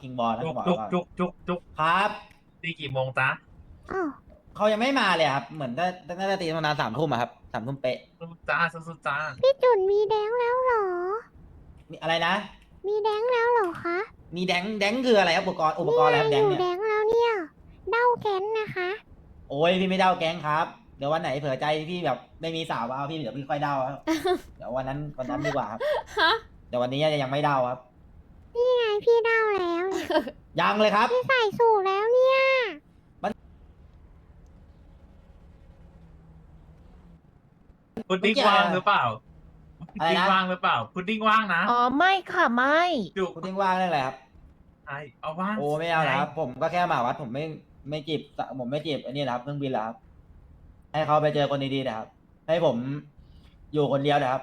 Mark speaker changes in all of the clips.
Speaker 1: คิงบอลนะ
Speaker 2: จุ
Speaker 1: ก็
Speaker 2: ก
Speaker 1: บอก
Speaker 2: จุก
Speaker 1: ว่า
Speaker 2: จุกจุกจุก
Speaker 1: ครับ
Speaker 2: ตีกี่โมงจ๊ะ
Speaker 3: อ้าว
Speaker 1: เขายังไม่มาเลยครับเหมือนน่าจะตีประมาณ3 ทุ่มครับ3 ทุ่มเป๊ะ
Speaker 2: สู้จ้าสู้จ้า
Speaker 3: พี่จุนมีแดงแล้วเหรอ
Speaker 1: มีอะไรนะ
Speaker 3: มีแดงแล้วเหรอคะ
Speaker 1: มีแดงคืออะไรครับอุปกรณ์อะไรครับแด
Speaker 3: อง ยู่
Speaker 1: เนี่ย
Speaker 3: แดงแล้วเนี่ยเด้าแค้นนะคะ
Speaker 1: โอ้ยพี่ไม่เด้าแก๊งครับเดี๋ยววันไหนเผื่อใจพี่แบบไม่มีสาวเอาพี่เดี๋ยวพี่ค่อยเด้าครับ เดี๋ยววันนั้นดีกว่าครับ
Speaker 4: ฮะ
Speaker 1: เดี๋ยววันนี้ยังไม่เด้าครับ
Speaker 3: นี่ไงพี่เด้าแล้วเนี่ย
Speaker 1: ยังเลยครับ
Speaker 3: พี่ใส่สูทแล้วเนี่ย
Speaker 2: พุดดิ้งว่างหรือเปล่าพุดดิ้งว่างหรือเปล่าพุดดิ้งว่างนะ
Speaker 5: อ๋อไม่ค่ะไม่
Speaker 2: จุก
Speaker 1: คุณทิ้งว่างได้เลยครับ
Speaker 2: ไอเอาว่าง
Speaker 1: โอ้ไม่เอาแล้วครับผมก็แค่มาวัดผมไม่จีบผมไม่จีบอันนี้นะครับเครื่องบินแล้วครับให้เขาไปเจอคนดีๆนะครับ ให้ผมอยู่คนเดียวนะครับ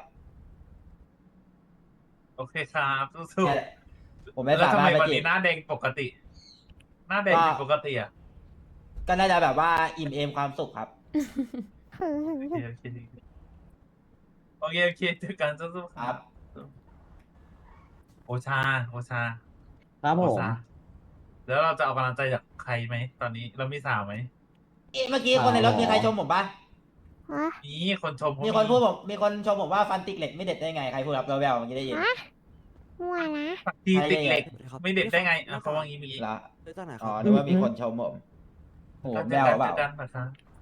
Speaker 2: โอเคครับสู้
Speaker 1: แค่ผม
Speaker 2: ๆ
Speaker 1: ไม่
Speaker 2: แล้ว
Speaker 1: สา
Speaker 2: ทำ
Speaker 1: มาร
Speaker 2: ไม
Speaker 1: ถไป
Speaker 2: วัน
Speaker 1: จี
Speaker 2: นี้
Speaker 1: บ
Speaker 2: หน้าแดงปกติ หน้าแดงผิดปกติอ่ะ
Speaker 1: ก็น่าจะแบบว่าอิ่มเอมความสุขครับ
Speaker 2: โอเคโอเคเจอกันสู้ๆ
Speaker 1: ครับ
Speaker 2: โอชา
Speaker 6: ครับผ
Speaker 2: โอ
Speaker 6: ม
Speaker 2: ชาแล้วเราจะเอากำลังใจจากใครไหมตอนนี้เรามีสาวไหม
Speaker 1: เมื่อกี้คนในรถมีใครชมผมปะ
Speaker 3: ฮะ
Speaker 2: นี่คนชมเขา
Speaker 1: มีคนพูดผมมีคนชมผมว่าฟันติกเหล็กไม่เด็ดได้ไงใครพูดครับแววๆเมื่อกี้ได้ยิน
Speaker 3: ฮะมั่วนะ
Speaker 2: ทีติดเหล็ก ไม่เด็ดได้ไงอ่ะเขาว่างี้เมื่อกี้
Speaker 1: ละ
Speaker 6: เลือกตั้งไหนค
Speaker 1: อ๋
Speaker 6: รั
Speaker 1: อบ นึกว่ามีคนชมผมโหแววเปล่า
Speaker 2: ดันนะคะ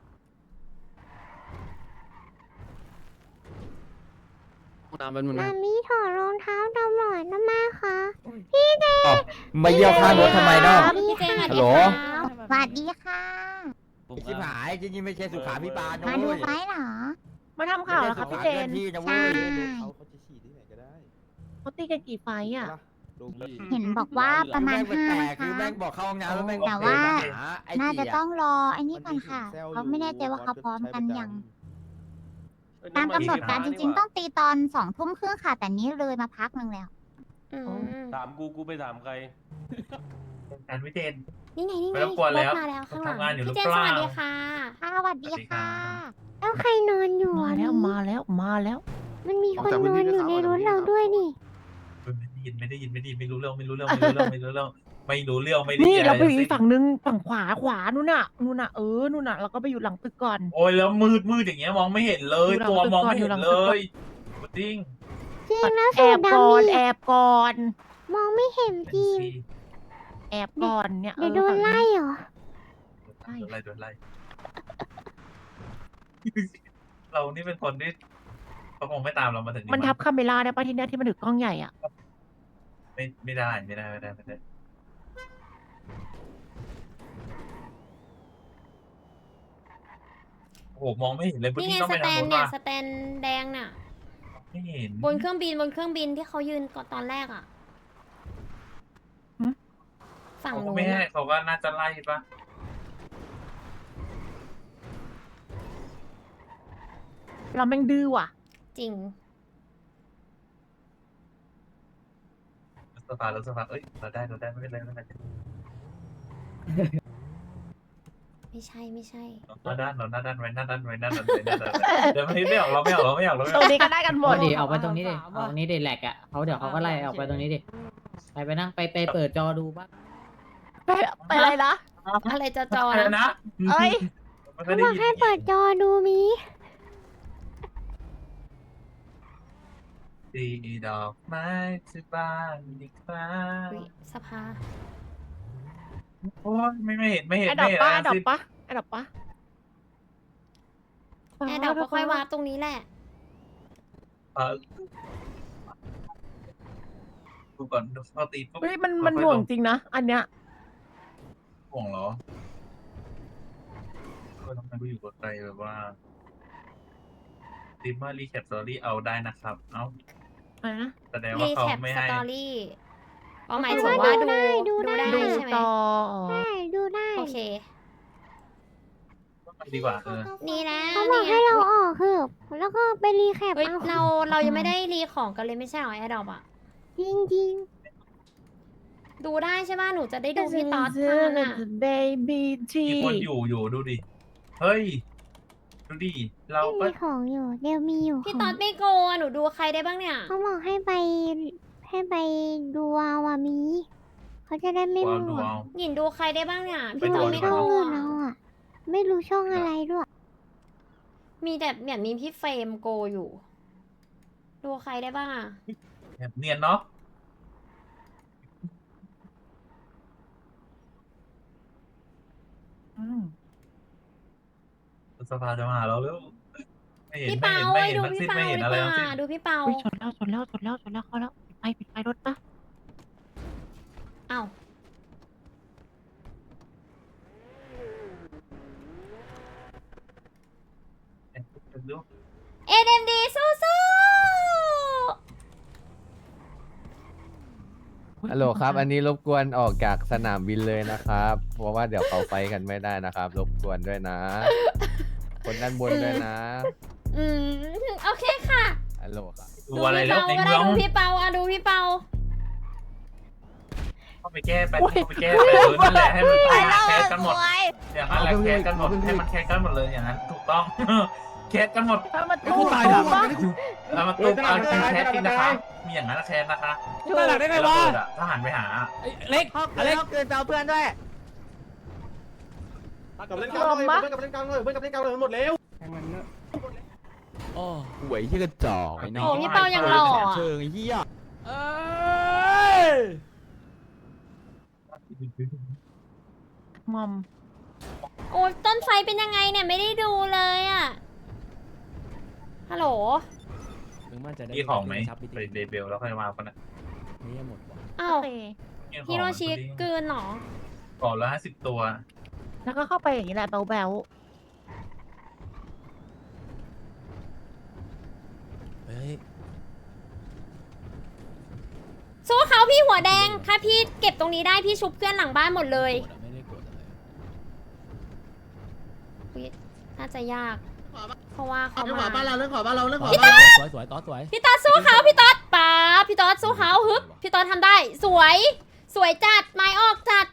Speaker 6: น้ำเป็นมัน
Speaker 3: มามีถอดรองเท้าตำรวจนะมาคะ
Speaker 7: มาเยี่ยวข้างรถทำไมเนาะ
Speaker 4: พี่เจน
Speaker 7: ฮัลโหล
Speaker 3: สวัสดีค่ะ
Speaker 7: ชิบหายจริงๆไม่ใช่สุขาพิบาลนะ
Speaker 3: มาดู
Speaker 7: เว้ย
Speaker 3: ไฟเหรอ
Speaker 5: มาทำข่าวแล้วครับพี่เจน
Speaker 7: ที่นะ
Speaker 3: ใช่
Speaker 7: เว้ย
Speaker 6: เขาจะฉีดที่ไหนก็ได้
Speaker 5: เขาตีกันกี่ไฟต์อ่ะ
Speaker 6: ลงที่
Speaker 3: เห็นบอกว่าประมาณ
Speaker 7: แม่ง
Speaker 3: ห้า
Speaker 7: แปล
Speaker 3: นะ
Speaker 7: กๆคือ
Speaker 3: คะ
Speaker 7: แม่งบอกเข้าห้องน้ำแล้วแม่ง
Speaker 3: แต่ว่า
Speaker 7: หไอ้
Speaker 3: น่าจะ
Speaker 7: เจี๊ย
Speaker 3: ต้องรอไอ้นี่ก่อนค่ะเขาไม่แน่ใจว่าเขาพร้อมกันยัง ตามกำหนดการจริงๆ ต้องตีตอน20:30ค่ะ แต่นี้เลยมาพักหนึ่งแล้ว
Speaker 4: อืม
Speaker 8: ถามกูไปถามใคร
Speaker 2: การวิเจน
Speaker 4: นี่ไงนี่ไง
Speaker 2: ไม่รบกวนแล้ว
Speaker 4: รถมาแล้วข้างหลัง
Speaker 2: ทำงานอยู่หรือ
Speaker 4: พี่เจน
Speaker 2: เป
Speaker 4: ส
Speaker 2: ล่า
Speaker 4: วัสดีค่ะ
Speaker 3: สวัสดีค่ะ
Speaker 2: สวัสดีครับ
Speaker 3: แล้วใครนอนอยู่
Speaker 5: มา
Speaker 3: อ่ะ
Speaker 5: แล้ว
Speaker 3: นี่
Speaker 5: มาแล้วมาแล้ว
Speaker 3: มันมีคนนอนอยู่ในรถเราด้วยนี่
Speaker 2: ไม่ได้ยินไม่รู้เรื่องไม่รู้เรื่องไม่ได้
Speaker 5: นี่
Speaker 2: ยิน
Speaker 5: เราไป
Speaker 2: อะ
Speaker 5: อีก
Speaker 2: ทั้งสิ้น
Speaker 5: ฝั่งนึงฝั่งขวานู่นน่ะนู่นน่ะนู่นน่ะเราก็ไปอยู่หลังตึกก่อน
Speaker 2: โอ้ยแล้วมืดอย่างเงี้ยมองไม่เห็นเลย
Speaker 5: ดูหลัง
Speaker 2: ตัวมองไม่
Speaker 5: ดู
Speaker 2: เห็
Speaker 5: หลั
Speaker 2: น
Speaker 5: ง
Speaker 2: เลยพุดดิ้ง
Speaker 3: จริงแล้ว
Speaker 5: แอ
Speaker 3: สู
Speaker 5: บ
Speaker 3: ด
Speaker 5: ก่อน
Speaker 3: ดำ
Speaker 5: แอ
Speaker 3: นี่
Speaker 5: บก่อน
Speaker 3: มองไม่เห็นจริง
Speaker 5: แอบก่อนเนี่ย
Speaker 3: เดี๋ยวโดนไล่เหรอ
Speaker 2: โดนไล่เรานี่เป็นคนที่เขาคงไม่ตามเรามาถึง
Speaker 5: มันทับคาเมล่าได้ป่ะที่เนี่ยที่มันถือกล้องใหญ่อ่ะ
Speaker 2: ไม่ได้โอ้โหมองไม่เห็นเลยพุด
Speaker 4: นี่
Speaker 2: ดิ้
Speaker 4: ไง
Speaker 2: งต้อง
Speaker 4: ส
Speaker 2: ไป
Speaker 4: แต
Speaker 2: ทาง
Speaker 4: น
Speaker 2: นู้น
Speaker 4: เนี่ย
Speaker 2: ว่ะ
Speaker 4: สแตนแดงน่ะ
Speaker 2: ไม่เห็น
Speaker 4: บนเครื่องบินที่เขายืนก่อนตอนแรกอ่ะ
Speaker 5: หึ
Speaker 4: ฝั่ง
Speaker 2: เขาก็
Speaker 4: นู้น
Speaker 2: ไม่ให้
Speaker 4: อะ
Speaker 2: เขาก็น่าจะไล่ปะ
Speaker 5: เราแม่งดื้อว่ะ
Speaker 4: จริง
Speaker 2: รถสภาเอ้ยเราได้ไม่เป็นไร
Speaker 4: ไม่ใช่
Speaker 2: หน้าด้านไว้หน้าด้านเดี๋ยวไม่ออกเราไม่ออก
Speaker 5: ตรงนี้ก็ได้กันหมด
Speaker 9: ดิออกไปตรงนี้ดิออกตรงนี้ดิแหลกอ่ะเขาเดี๋ยวเขาก็ไล่ออกไปตรงนี้ดิไปนั่งไปเปิดจอดูบ้าง
Speaker 5: ไปอะไรนะ
Speaker 4: อะไรจะจอ
Speaker 2: อะไร
Speaker 4: นะ
Speaker 2: นะ
Speaker 5: เอ้ย
Speaker 2: ไม่
Speaker 3: เขา
Speaker 2: ได้
Speaker 3: บอก
Speaker 2: ยิน
Speaker 3: ให้เปิดจอดูมี
Speaker 2: ตีดอกไม้ที่บ้านดีกว่า
Speaker 4: อุ๊ยสภา
Speaker 2: โอ้ยไม่เห็น
Speaker 5: ไอ้ดอกปะไอ้ดอกปะไอ้ดอกปะ
Speaker 4: แอร์ดอกก็ค่อยวาร์ปตรงนี้แหละ
Speaker 2: ดูก่อนเขาตีปุ๊บ
Speaker 5: เฮ้ยมันหน่วงจริงนะอันเนี้ย
Speaker 2: ห่วงเหรอทำไมกูอยู่กับใครแบบว่าติมมารีแคปสตอรี่เอาได้นะครับ เอ้า
Speaker 5: อะไรนะ
Speaker 2: แสดงว่า
Speaker 4: รี
Speaker 2: เขา
Speaker 4: แคป
Speaker 2: ไม่
Speaker 4: ส
Speaker 2: ให้
Speaker 4: ตอรี่อ๋อหมายถึงว่าดูได้
Speaker 5: ดู
Speaker 4: ใช่ไหม
Speaker 5: ต่อ
Speaker 3: ใช่ดูได้
Speaker 4: โอเค
Speaker 2: ดีกว่า
Speaker 4: นี่นะ
Speaker 3: เขาบอกให้เราออกคือแล้วก็ไปรีแคป
Speaker 4: เฮ้ย
Speaker 3: เอา
Speaker 4: เรายังไม่ได้รีของกันเลยไม่ใช่เหรอแอร์ดอกอ่ะ
Speaker 3: จริง
Speaker 4: ดูได้ใช่ป่ะหนูจะได้ดูพี่ต๊อดทานอ่ะ
Speaker 5: baby
Speaker 2: มีคนอยู่ดูดิ เฮ้ย ดูดิ
Speaker 3: ๆ
Speaker 2: เรา
Speaker 3: ไม่
Speaker 2: ก็
Speaker 3: มีของอยู่เดี๋ยวมีอยู่
Speaker 4: พี่ต๊อดไม่โกอะหนูดูใครได้บ้างเนี่ย
Speaker 3: เขาบอกให้ไปดูเอาอะมีเขเขาจะได้ไม่
Speaker 2: เอา
Speaker 3: มั่
Speaker 2: ดู
Speaker 3: ว
Speaker 2: เอา
Speaker 4: หยินดูใครได้บ้างเนี่ย
Speaker 2: ไป
Speaker 4: พี่
Speaker 2: ดู
Speaker 4: ตอน
Speaker 2: เอา
Speaker 4: ไม่
Speaker 2: ดีกว่า
Speaker 4: ดู
Speaker 3: อื่น
Speaker 4: อะ
Speaker 3: เอาอ่ะ ไม่รู้ช่องอะไรด้วย
Speaker 4: มีแต่แบบมีพี่เฟรมโกอยู่ ดูใครได้บ้างอะ
Speaker 2: เนียนเนาะสภาจะมาหาเราแล้วไม่เห็น
Speaker 4: พี่
Speaker 2: ไม่
Speaker 4: เปา
Speaker 2: เห็นไม่
Speaker 4: เอ้ย
Speaker 2: เห็น
Speaker 4: ดู
Speaker 2: ทั้ง
Speaker 4: พี่
Speaker 2: สิ้น
Speaker 4: เปา
Speaker 2: ไม่เห็นอะไร
Speaker 4: ดีกว่า
Speaker 2: ทั้งสิ้น
Speaker 4: ดูพี่เปา
Speaker 5: อุ้ยชนแล้วเขาแล้วปิดไฟรถปะ
Speaker 4: อ้าวเอ็มดีสู้
Speaker 6: ฮัลโหลครับ อันนี้รบกวนออกจากสนามบินเลยนะครับ เพราะว่าเดี๋ยวเขาไปกันไม่ได้นะครับ รบกวนด้วยนะ คนด้านบนด้วยนะ
Speaker 4: ๆอืมโอเคค่ะ
Speaker 6: ฮัลโหลครับ
Speaker 2: ดูอะไรแล้วใน
Speaker 4: ก็
Speaker 2: เมื
Speaker 4: ได้
Speaker 2: อง
Speaker 4: ดูพี่เปาอะดูพี่เปา
Speaker 2: เข้าไปแก้ไปเข้าไปแก้ไปนั่นแหละให้มันตายแคสกันหมดอย่างนั้นแหละแคสกันหมดให้มันแคสกันหมดเลยอย่างนั้นถูกต้อง แคสกันหมด
Speaker 5: ถ้ามัน
Speaker 6: ไอ้กูตายหลัง
Speaker 2: แล้วมันต้องเอาจริงแคสจริงนะคะมีอย่างนั้นแคสนะคะ
Speaker 6: ตายหลังได้ไงวะ
Speaker 2: ถ้าหันไปหา
Speaker 6: เล็ก
Speaker 7: เล็กเกินเตาเพื่อนด้วย
Speaker 6: กับเล่นกลางเลยกับเล่นกลางเลยกับเล่นกลางเลยหมดแล้วโอ้หวยที่กระจอกไอ้น้อง
Speaker 4: โอ้พี่เปายังหล่ออะ
Speaker 6: เชิงไอ้เหี้ย
Speaker 5: งอม
Speaker 4: โอ้ต้นไฟเป็นยังไงเนี่ยไม่ได้ดูเลยอะฮัลโหล
Speaker 2: มีของไหมไปเดเบลแล้วค่อยมาคนน่ะ
Speaker 6: นี่หมดว่ะ
Speaker 4: อ้าว
Speaker 5: โอเค
Speaker 4: ฮิโรชิกลืนเหรอ
Speaker 2: ก่อนละ50 ตัว
Speaker 5: แล้วก็เข้าไปอย่างนี้แหละแบว
Speaker 6: เฮ้ย
Speaker 4: สู้เขาพี่หัวแดง ถ้าพี่เก็บตรงนี้ได้พี่ชุบเพื่อนหลังบ้านหมดเลย
Speaker 6: ไม่ได้กดอะไร
Speaker 4: อุ๊ยน่าจะยาก เพราะว่าเขา
Speaker 7: เรื่องข
Speaker 4: มา
Speaker 7: อบ้านเราเรื่องขอบ้านเราเรื่องขอ
Speaker 6: สวยสวยต่อสวย
Speaker 4: พี่ต๊อดสู้เขาพี่ต๊อดป๋าพี่ต๊อดสู้เขาฮึบพี่ต๊อดทำได้ สวย สวยจัดไม้ออกจัด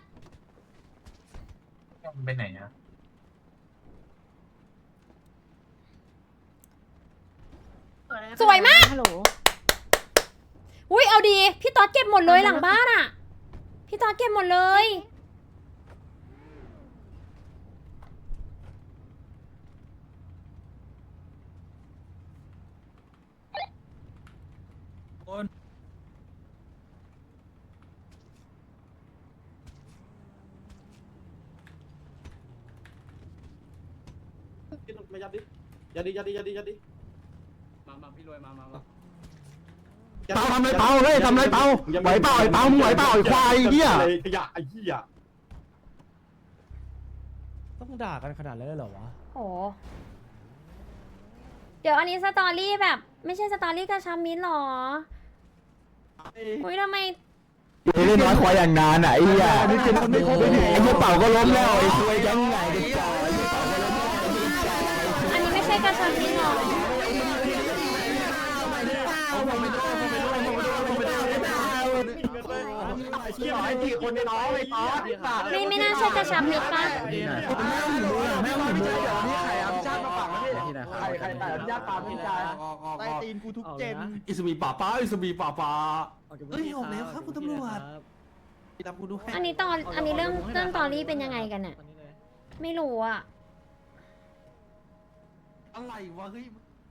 Speaker 2: มันไปไหนอะ
Speaker 5: ๆ
Speaker 4: สวยมาก
Speaker 5: ฮัลโหล
Speaker 4: อุ้ยเอาดี พี่ต๊อดเก็บหมดเลยหลังบ้านอ่ะ พี่ต๊อดเก็บหมดเลย
Speaker 6: มายัดดิยัดดิมาพี่รวยมาเปาทำไรเปาเฮ้ยทำไรเปาไหวเปล่าไอ้เปามึงไหวเปล่าไอ้ควายเหี้ยขยะไอ้เหี้ยต้องด่ากันขนาดนั้นเลยเหรอวะ
Speaker 4: โอ้เดี๋ยวอันนี้สตอรี่แบบ ไม่ใช่สตอรี่กระชับมิตรหรอ อุ้ยทำไม
Speaker 6: เล่นน้อยควายอย่างนานอ่ะไอ้เหี้ยไอ้เหี้ยเป่าก็ล้มแล้วไอ้ควายยังไงกันจ้า
Speaker 4: อันนี้ไม่ใช่กระชับมิตรหรอ
Speaker 6: คนในน้องไอ้ป๊อด
Speaker 4: ไม่น่าใช่กระชับมิตรปะ
Speaker 6: แม่ไม่ใช่เดี๋ยวนี้ใครเอาพิชาติมาฝังนี่ใครแต่พิชาติปาพิชาใต้ตีนกูทุกเจนอิสบีป่าป้าอิสบีป่าป้าเอ้ยออกแล้วครับคุณตำรวจตามกูดูให้
Speaker 4: อันนี้เรื่องสตอรี่เป็นยังไงกันเนี่ยไม่รู้อ่ะ
Speaker 6: อะไรวะเฮ้ย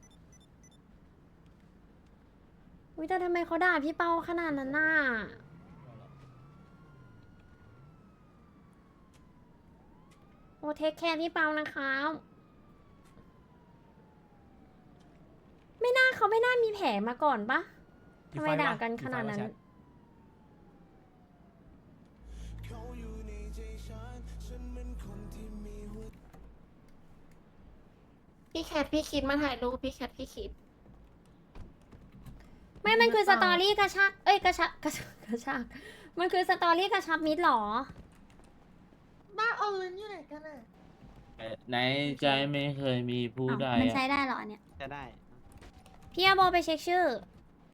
Speaker 4: อุ้ยแต่ทำไมเขาด่าพี่เปาขนาดนั้นน่ะ โอ้เทคแคร์พี่เปานะคะเขาไม่น่ามีแผลมาก่อนปะทำไมด่ากันขนาดนั้น
Speaker 5: พี่แคทพี่คิดมาถ่ายรูปพี่แคทพี่คิด
Speaker 4: ไม่มันคือสตอรี่กระชากเอ้ยกระชากมันคือสตอรี่กระชับมิตรหรอ
Speaker 5: บ้าเอาเงินอยู่ไหนกันอ่ะ
Speaker 8: ในใจไม่เคยมีผู้ใด
Speaker 4: มันใช้ได้เหรอเนี่ย
Speaker 6: จะได้
Speaker 4: พี่อาโบไปเช็คชื่อ